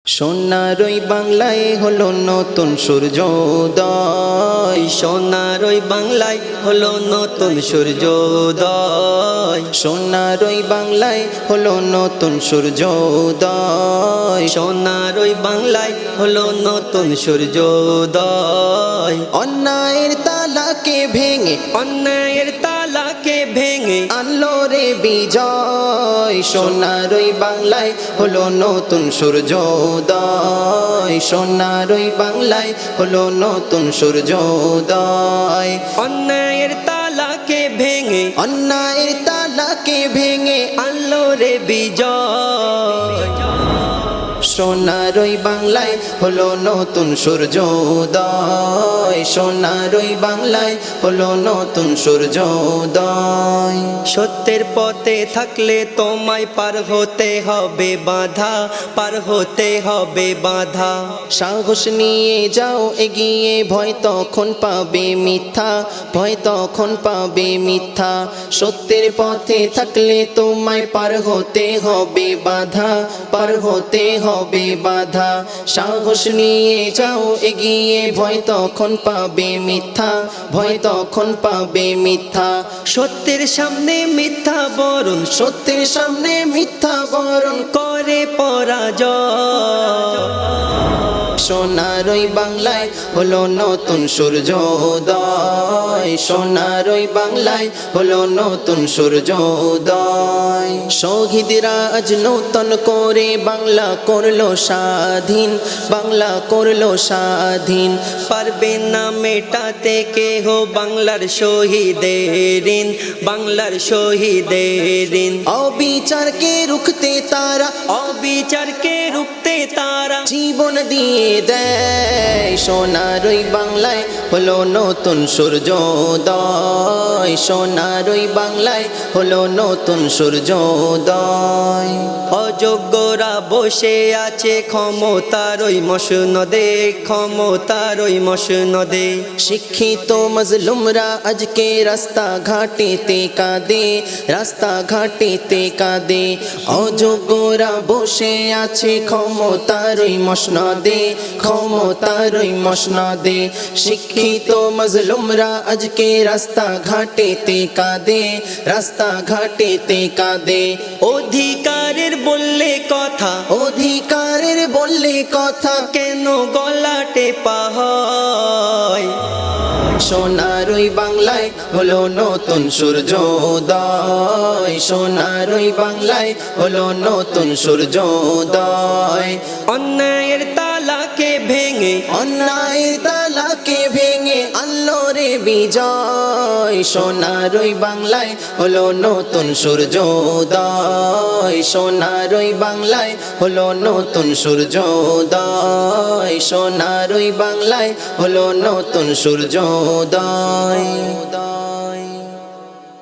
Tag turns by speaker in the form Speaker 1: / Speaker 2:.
Speaker 1: সোনার ওই বাংলায় হলো নতুন সূর্যোদয়,
Speaker 2: সোনার ওই বাংলায় হলো নতুন সূর্যোদয়,
Speaker 1: সোনার ওই বাংলায় হলো নতুন সূর্যোদয়,
Speaker 2: সোনার ওই বাংলায় হলো নতুন সূর্যোদয়।
Speaker 1: অন্যায়ের তালাকে ভেঙে
Speaker 2: অন্যায়ের তালাকে ভেঙে
Speaker 1: আনলো রে বিজয়। সোনার ওই বাংলায় হলো নতুন সূর্যোদয়, সোনার ওই বাংলায় হলো নতুন সূর্যোদয়।
Speaker 2: অন্যায়ের তালাকে ভেঙে
Speaker 1: অন্যায়ের তালাকে ভেঙে
Speaker 2: আনলো রে বিজয়।
Speaker 1: সোনার ওই বাংলায় হলো নতুন সূর্যোদয়, সোনার ওই বাংলায় হলো নতুন সূর্যোদয়।
Speaker 2: সত্যের পথে থাকলে তোমায় পার হতে হবে বাধা, পার হতে হবে বাধা।
Speaker 1: সাহস নিয়ে যাও এগিয়ে, ভয় তখন পাবে মিথ্যা, ভয় তখন পাবে মিথ্যা। সত্যের পথে থাকলে তোমায় পার হতে হবে বাধা, পার হতে হবে বাধা। সাহস নিয়ে যাও এগিয়ে, ভয় তখন পাবে মিথ্যা, ভয় তখন পাবে মিথ্যা।
Speaker 2: সত্যের সামনে মিথ্যা বরণ,
Speaker 1: সত্যের সামনে মিথ্যা বরণ
Speaker 2: করে পরাজয়।
Speaker 1: সোনার ওই বাংলায় হলো নতুন সূর্যোদয়, সোনার ওই বাংলায় হলো নতুন সূর্যোদয়। শহীদরা আজ নূতন করে বাংলা করলো স্বাধীন, বাংলা করলো স্বাধীন।
Speaker 2: পারবে না মেটাতে কেহ বাংলার শহীদের ঋণ, বাংলার শহীদের ঋণ।
Speaker 1: অবিচারকে রুখতে তারা,
Speaker 2: অবিচারকে রুখতে তারা
Speaker 1: জীবন দিয়ে দেয়। সোনার ওই বাংলায় হলো নতুন সূর্যোদয়, সোনার ওই বাংলায় হলো নতুন সূর্যোদয়।
Speaker 2: অযোগ্যরা বসে আছে ক্ষমতার ওই মসনদে, ক্ষমতার ওই মসনদে।
Speaker 1: শিক্ষিত মজলুমরা আজকে রাস্তা ঘাটেতে কাঁদে, রাস্তা ঘাটেতে কাঁদে। অযোগ্যরা বসে আছে ক্ষমতার ওই মসনদে, ক্ষমতার ওই মসনদে। শিক্ষিত মজলুমরা আজকে রাস্তা ঘাটেতে কাঁদে, রাস্তা ঘাটেতে কাঁদে।
Speaker 2: অধিকারের বললে কথা,
Speaker 1: অধিকারের বললে কথা
Speaker 2: কেন গলা টেপা হয়?
Speaker 1: সোনার ওই বাংলায় হলো নতুন সূর্যোদয়, সোনার ওই বাংলায় হলো নতুন সূর্যোদয়।
Speaker 2: অন্যায়ের তালাকে ভেঙে
Speaker 1: অন্যায়ের তালাকে ভেঙে আনলো রে বিজয়। সোনার ওই বাংলায় হলো নতুন সূর্যোদয়, সোনার ওই বাংলায় হলো নতুন সূর্যোদয়, সোনার ওই বাংলায় হলো নতুন সূর্যোদয়।